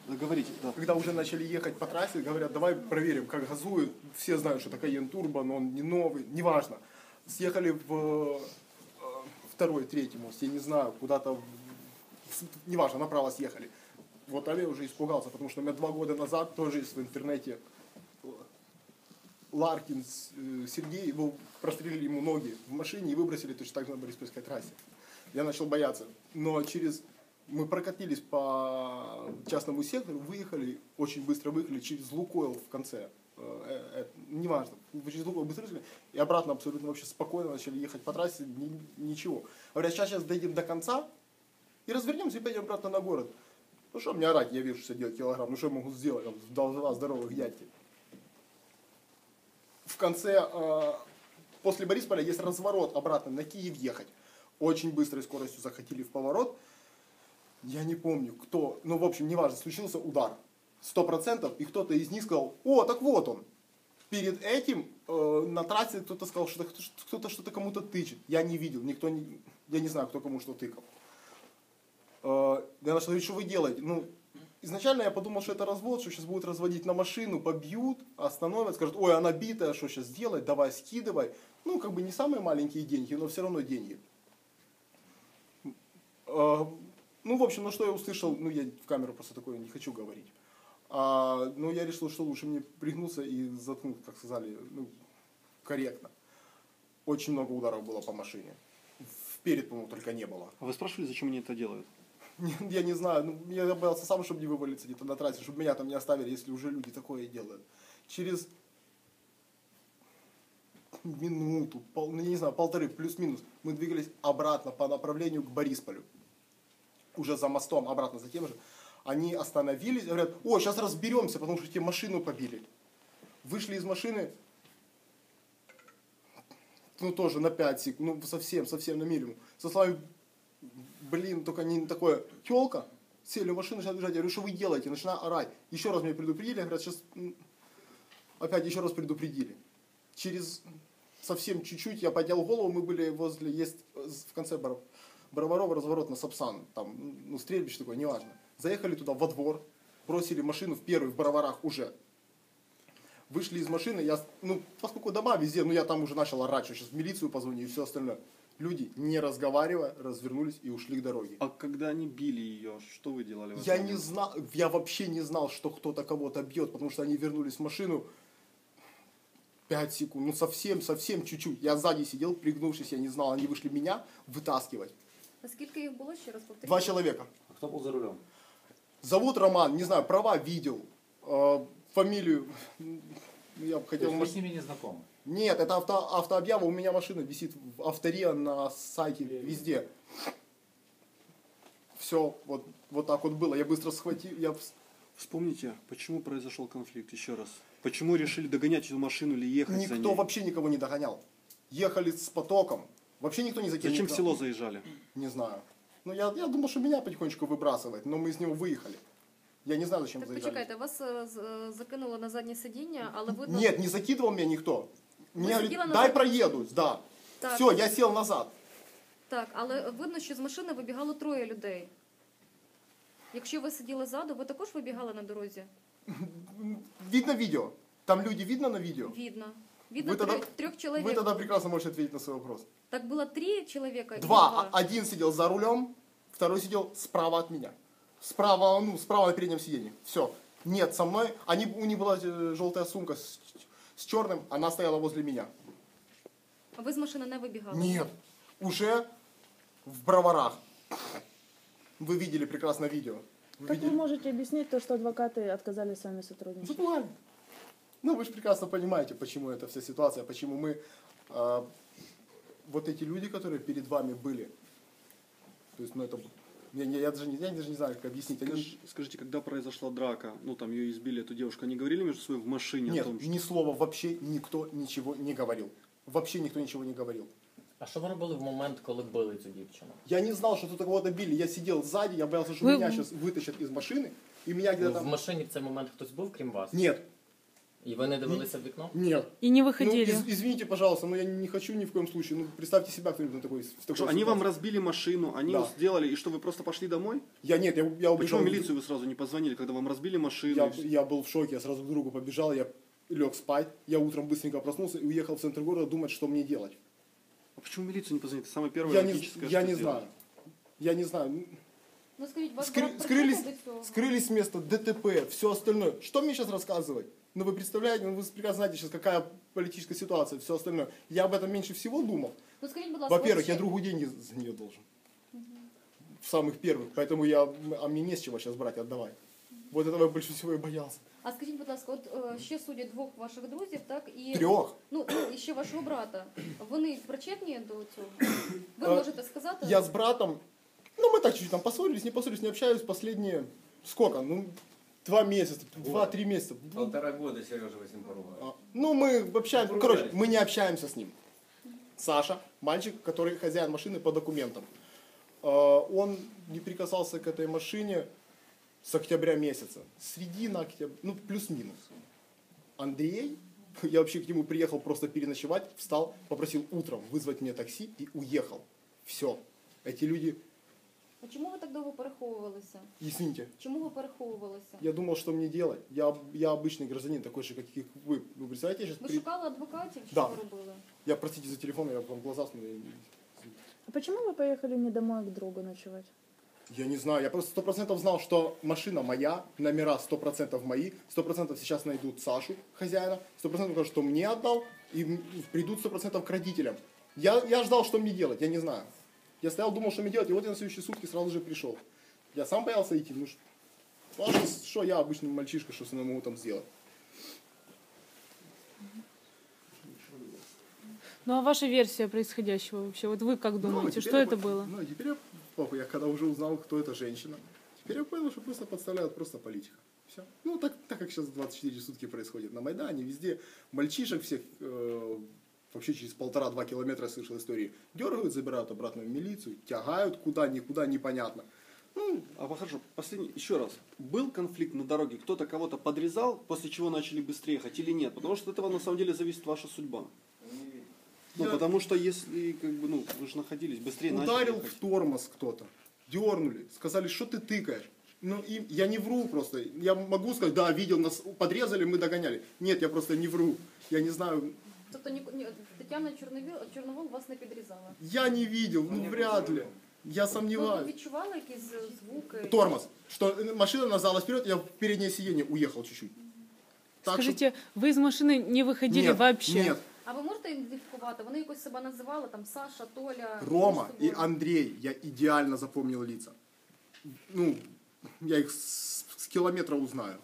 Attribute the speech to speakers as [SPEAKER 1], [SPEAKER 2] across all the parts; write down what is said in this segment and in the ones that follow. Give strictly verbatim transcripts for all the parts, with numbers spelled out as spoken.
[SPEAKER 1] Говорите, да.
[SPEAKER 2] Когда уже начали ехать по трассе, говорят, давай проверим, как газует. Все знают, что это Cayenne Turbo, но он не новый, неважно. Съехали в второй, третий мост, я не знаю, куда-то, неважно, направо съехали. Вот там я уже испугался, потому что у меня два года назад тоже есть в интернете Ларкин Сергей, его прострелили ему ноги в машине и выбросили точно так же на Бориспольской трассе. Я начал бояться. Но через... Мы прокатились по частному сектору, выехали, очень быстро выехали через Лукойл в конце. Э, э, неважно, через Лукойл быстро выехали, и обратно абсолютно вообще спокойно начали ехать по трассе, ни, ничего. Говорят, сейчас, сейчас дойдем до конца и развернемся и пойдем обратно на город. Ну что мне орать, я вешу шестьдесят девять килограмм, ну что я могу сделать, два здоровых дядьки. В конце, э, после Борисполя есть разворот обратно на Киев ехать. Очень быстрой скоростью захотели в поворот. Я не помню, кто, ну, в общем, неважно, случился удар. Сто процентов, и кто-то из них сказал, о, так вот он. Перед этим э, на трассе кто-то сказал, что кто-то что-то кому-то тычет. Я не видел, никто не, я не знаю, кто кому что тыкал. Э, я начал говорить, что вы делаете? Ну, изначально я подумал, что это развод, что сейчас будут разводить на машину, побьют, остановят, скажут, ой, она битая, что сейчас делать, давай скидывай. Ну, как бы не самые маленькие деньги, но все равно деньги. Э, Ну, в общем, ну что я услышал, ну я в камеру просто такое не хочу говорить. А, ну, я решил, что лучше мне пригнуться и заткнуть, как сказали, ну, корректно. Очень много ударов было по машине. Вперед, по-моему, только не было.
[SPEAKER 1] А вы спрашивали, зачем они это делают?
[SPEAKER 2] Я не знаю, ну, я боялся сам, чтобы не вывалиться где-то на трассе, чтобы меня там не оставили, если уже люди такое делают. Через минуту, пол, ну, я не знаю, полторы, плюс-минус, мы двигались обратно по направлению к Борисполю. Уже за мостом, обратно за тем же, они остановились, говорят, о, сейчас разберемся, потому что тебе машину побили. Вышли из машины, ну тоже на пять секунд, ну совсем, совсем на минимум. Со словами, блин, только не такое, тёлка, сели в машину, начинают бежать, я говорю, что вы делаете, начинаю орать. Еще раз меня предупредили, говорят, сейчас опять еще раз предупредили. Через совсем чуть-чуть я поднял голову, мы были возле, есть в конце баров. Броварова разворот на Сапсан, там, ну, стрельбище такое, неважно. Заехали туда во двор, бросили машину в первый, в Броварах уже. Вышли из машины, я, ну, поскольку дома везде, ну, я там уже начал орать, что сейчас в милицию позвоню и все остальное. Люди, не разговаривая, развернулись и ушли к дороге.
[SPEAKER 1] А когда они били ее, что вы делали?
[SPEAKER 2] Я не знал, я вообще не знал, что кто-то кого-то бьет, потому что они вернулись в машину пять секунд, ну, совсем, совсем чуть-чуть. Я сзади сидел, пригнувшись, я не знал, они вышли меня вытаскивать.
[SPEAKER 3] А скільки їх було, ще раз повторіть?
[SPEAKER 2] Два человека.
[SPEAKER 4] А кто был за рулем?
[SPEAKER 2] Зовут Роман, не знаю, права видел, э, фамилию, я бы хотел...
[SPEAKER 4] То есть вы с ними не знакомы?
[SPEAKER 2] Нет, это авто, автообъява, у меня машина висит в авторе, на сайте, везде. Все, вот, вот так вот было, я быстро схватил, я...
[SPEAKER 1] Вспомните, почему произошел конфликт, еще раз. Почему решили догонять эту машину или ехать
[SPEAKER 2] Никто
[SPEAKER 1] за ней?
[SPEAKER 2] вообще никого не догонял. Ехали с потоком, вообще никто не закинул.
[SPEAKER 1] Зачем в село заезжали?
[SPEAKER 2] Не знаю. Ну, я, я думал, что меня потихонечку выбрасывает, но мы из него выехали. Я не знаю, зачем
[SPEAKER 3] Так
[SPEAKER 2] заезжали.
[SPEAKER 3] почекайте, вас е, з- закинуло на заднє сидіння, але видно...
[SPEAKER 2] Нет, не закидывал меня никто. Мне говорит,
[SPEAKER 3] сидела на
[SPEAKER 2] дай
[SPEAKER 3] заднем
[SPEAKER 2] проедусь, да.
[SPEAKER 3] Так.
[SPEAKER 2] Все, я сел назад.
[SPEAKER 3] Так, але видно, що з машини вибігало троє людей. Якщо ви сиділи ззаду, ви також вибігали на дорозі?
[SPEAKER 2] Видно видео? Там люди видно на видео?
[SPEAKER 3] Видно. Видно
[SPEAKER 2] Вы тогда,
[SPEAKER 3] трех, трех человек.
[SPEAKER 2] вы тогда прекрасно можете ответить на свой вопрос.
[SPEAKER 3] Так было три человека? или
[SPEAKER 2] Два. А- Один сидел за рулем, второй сидел справа от меня. Справа, ну, справа на переднем сиденье. Все. Нет, со мной. Они, у них была э, желтая сумка с, с черным, она стояла возле меня.
[SPEAKER 3] А ви з машини не вибігали?
[SPEAKER 2] Нет. Уже в Броварах. Вы видели прекрасно видео. Вы
[SPEAKER 5] Как вы
[SPEAKER 2] видели?
[SPEAKER 5] можете объяснить то, что адвокаты отказались с вами сотрудничать?
[SPEAKER 2] Запугали. Ну, вы же прекрасно понимаете, почему эта вся ситуация, почему мы, э, вот эти люди, которые перед вами были, то есть, ну, это, я, я, я, даже, не, я даже не знаю, как объяснить. Они...
[SPEAKER 1] Скажи- Скажите, когда произошла драка, ну там ее избили, эту девушку, они говорили между собой в машине
[SPEAKER 2] Нет,
[SPEAKER 1] о том, что...
[SPEAKER 2] ни слова вообще никто ничего не говорил. Вообще никто ничего не говорил.
[SPEAKER 6] А що ви робили в момент, коли били цю дівчину?
[SPEAKER 2] Я не знал, что тут кого-то били. Я сидел сзади, я боялся, что
[SPEAKER 5] Вы-
[SPEAKER 2] меня сейчас вытащат из машины, и меня
[SPEAKER 6] Ну,
[SPEAKER 2] где-то
[SPEAKER 6] в
[SPEAKER 2] там...
[SPEAKER 6] машині в цей момент хтось був, крім вас?
[SPEAKER 2] Нет.
[SPEAKER 6] І ви не дивилися в вікно?
[SPEAKER 2] Нет.
[SPEAKER 5] И не
[SPEAKER 2] Ну,
[SPEAKER 5] выходили.
[SPEAKER 2] из- извините, пожалуйста, но я не хочу ни в коем случае. Ну, представьте себя кто-нибудь на такой, в такой
[SPEAKER 1] Что, они
[SPEAKER 2] ситуации.
[SPEAKER 1] вам разбили машину, они
[SPEAKER 2] Да.
[SPEAKER 1] сделали, и что, вы просто пошли домой?
[SPEAKER 2] Я нет, я, я убежал.
[SPEAKER 1] Почему в милицию вы сразу не позвонили, когда вам разбили машину?
[SPEAKER 2] Я,
[SPEAKER 1] и всё?
[SPEAKER 2] я был в шоке, я сразу к другу побежал, я лег спать. Я утром быстренько проснулся и уехал в центр города думать, что мне делать.
[SPEAKER 1] А почему в милицию не позвонили? Это самое первое
[SPEAKER 2] Я не,
[SPEAKER 1] логическое,
[SPEAKER 2] я
[SPEAKER 1] что
[SPEAKER 2] не
[SPEAKER 1] делать.
[SPEAKER 2] знаю. Я не знаю.
[SPEAKER 3] Ну скажіть, вас
[SPEAKER 2] Скры-
[SPEAKER 3] брат
[SPEAKER 2] скрылись,
[SPEAKER 3] причетний до цього?
[SPEAKER 2] скрылись с места, ДТП, все остальное. Что мне сейчас рассказывать? Ну вы представляете, ну вы прекрасно знаете сейчас, какая политическая ситуация, все остальное. Я об этом меньше всего думал.
[SPEAKER 3] Ну скажіть, будь ласка,
[SPEAKER 2] Во-первых,
[SPEAKER 3] от
[SPEAKER 2] я
[SPEAKER 3] ще-
[SPEAKER 2] другу деньги за нее должен. В самых первых. Поэтому я, а мне не с чего сейчас брать, отдавай. Вот этого я больше всего и боялся.
[SPEAKER 3] А скажіть, будь ласка, от е, ще судять двох ваших друзів, так? І,
[SPEAKER 2] Трех.
[SPEAKER 3] Ну, ну, і ще вашого брата. Вони причетні до цього? Ви
[SPEAKER 2] Е,
[SPEAKER 3] можете сказати?
[SPEAKER 2] Я с братом, ну мы так чуть-чуть там поссорились, не поссорились, не общаюсь последние, сколько, ну, два месяца, два-три месяца.
[SPEAKER 4] Полтора года Сережа вы с ним поругали.
[SPEAKER 2] А, Ну, мы общаемся, короче, мы не общаемся с ним. Саша, мальчик, который хозяин машины по документам. Э, Он не прикасался к этой машине с октября месяца. Середина октября, ну, плюс-минус. Андрей, я вообще к нему приехал просто переночевать, встал, попросил утром вызвать мне такси и уехал. Все. Эти люди,
[SPEAKER 3] А чому ви так довго переховувалися?
[SPEAKER 2] извините,
[SPEAKER 3] Чому ви переховувалися?
[SPEAKER 2] я думал, что мне делать. Я, я обычный гражданин, такой же, как и вы. Вы представляете, я сейчас...
[SPEAKER 3] Ви шукали адвокатів? Що
[SPEAKER 2] Да.
[SPEAKER 3] ви робили?
[SPEAKER 2] Я, простите за телефон, я вам глаза смотрю.
[SPEAKER 5] А почему вы поехали не домой, а к другу ночевать?
[SPEAKER 2] Я не знаю, я просто сто процентов знал, что машина моя, номера сто процентов мои, сто процентов сейчас найдут Сашу, хозяина, сто процентов скажут, что мне отдал, и м, придут сто процентов к родителям. Я, я ждал, что мне делать, я не знаю. Я стоял, думал, что мне делать, и вот я на следующие сутки сразу же пришел. Я сам боялся идти, ну ш- ну, а что, что я обычный мальчишка, что с мной могу там сделать?
[SPEAKER 5] Ну а ваша версия происходящего вообще? Вот вы как думаете,
[SPEAKER 2] Ну, теперь
[SPEAKER 5] что
[SPEAKER 2] я
[SPEAKER 5] это
[SPEAKER 2] по-
[SPEAKER 5] было?
[SPEAKER 2] Ну, теперь я, похуй, я когда уже узнал, кто эта женщина, теперь я понял, что просто подставляют просто политика. Все. Ну, так, так как сейчас двадцать четыре сутки происходит на Майдане, везде мальчишек всех, э, вообще через полтора-два километра я слышал истории, дергают, забирают обратно в милицию, тягают куда, никуда, непонятно. Ну,
[SPEAKER 1] А хорошо, последний, еще раз. Был конфликт на дороге, кто-то кого-то подрезал, после чего начали быстрее ехать или нет? Потому что от этого на самом деле зависит ваша судьба. Ну,
[SPEAKER 2] Я-
[SPEAKER 1] потому что если, как бы, ну, вы же находились, быстрее начали
[SPEAKER 2] ударил
[SPEAKER 1] ехать.
[SPEAKER 2] в тормоз кто-то, дернули, сказали, что ты тыкаешь. Ну, и я не вру просто. Я могу сказать, да, видел, нас подрезали, мы догоняли. Нет, я просто не вру. Я не знаю,
[SPEAKER 3] Тобто ні, ні, Тетяна Чорновіл, Чорновол вас не підрізала?
[SPEAKER 2] я не видел, ну, вряд ли. Я
[SPEAKER 3] Ну, ви
[SPEAKER 2] сомневаюсь.
[SPEAKER 3] відчували якісь е, звуки?
[SPEAKER 2] Тормоз. Что машина назалась вперед, я в переднее сиденье уехал чуть-чуть. Так что-
[SPEAKER 5] Скажите, вы из машины не выходили
[SPEAKER 2] нет,
[SPEAKER 5] вообще?
[SPEAKER 2] Нет,
[SPEAKER 3] А ви можете ідентифікувати? Вони якось себе називали, там Саша, Толя?
[SPEAKER 2] Рома
[SPEAKER 3] між
[SPEAKER 2] и
[SPEAKER 3] собою?
[SPEAKER 2] Андрей, я идеально запомнил лица. Ну, я их с, с километра узнаю.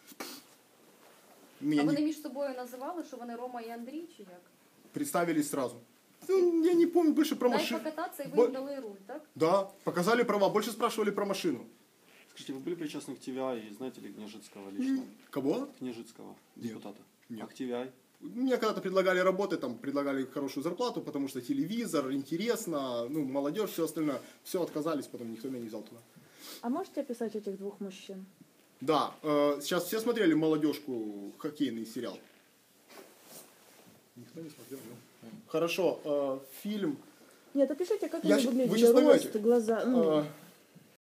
[SPEAKER 2] Меня
[SPEAKER 3] А
[SPEAKER 2] не
[SPEAKER 3] вони між собою називали, що вони Рома і Андрій, чи як?
[SPEAKER 2] представились сразу. Ну, я не помню больше про
[SPEAKER 3] Дай
[SPEAKER 2] машину.
[SPEAKER 3] покататися, і ви
[SPEAKER 2] Бо-
[SPEAKER 3] їм дали руль, так?
[SPEAKER 2] Да, показали права, больше спрашивали про машину.
[SPEAKER 1] Скажите, вы были причастны к Т В I и знаете ли Княжицкого лично?
[SPEAKER 2] Кого?
[SPEAKER 1] Княжицкого,
[SPEAKER 2] Нет.
[SPEAKER 1] депутата.
[SPEAKER 2] Нет.
[SPEAKER 1] А к Т В I?
[SPEAKER 2] Мне когда-то предлагали работы, там предлагали хорошую зарплату, потому что телевизор, интересно, ну, молодежь, все остальное. Все отказались, потом никто меня не взял туда.
[SPEAKER 5] А можете описать этих двух мужчин?
[SPEAKER 2] Да, э, сейчас все смотрели молодежку, хоккейный сериал. Никто не смотрел, ну. Хорошо, э, фильм.
[SPEAKER 5] Нет, опишите, как
[SPEAKER 2] Я
[SPEAKER 5] они
[SPEAKER 2] щ- вы
[SPEAKER 5] выглядели,
[SPEAKER 2] щас
[SPEAKER 5] рост,
[SPEAKER 2] поймете.
[SPEAKER 5] глаза. Ну,
[SPEAKER 2] э,